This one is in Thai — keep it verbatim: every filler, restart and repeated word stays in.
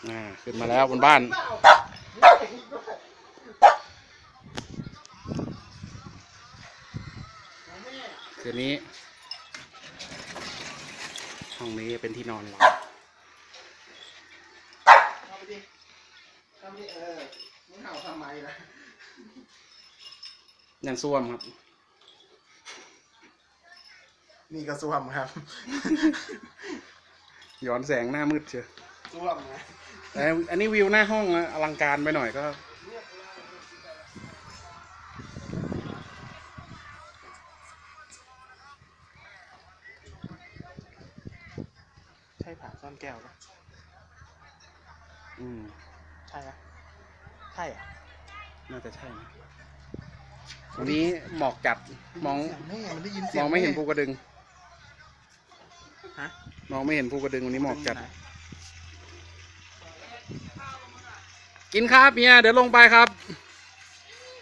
อ่าขึ้นมาแล้วบนบ้านคืนนี้ห้องนี้เป็นที่นอนเราเข้าไปดิเข้าไปดิเออมึงเห่าทำไมล่ะยังซ่วมครับนี่ก็ซ่วมครับย้อนแสงหน้ามืดเชียวซ่วมนะแต่อันนี้วิวหน้าห้องอลังการไปหน่อยก็ใช่ผ่าซ่อนแก้วปะอืมใช่ปะใช่อ่ะน่าจะใช่นะวันนี้หมอกจัดมองแม่มันได้ยินเสีมยงองไม่เห็นภูกระดึงฮะมองไม่เห็นภูกระดึงวันนี้หมอกจัดกินครับเมียเดี๋ยวลงไปครับ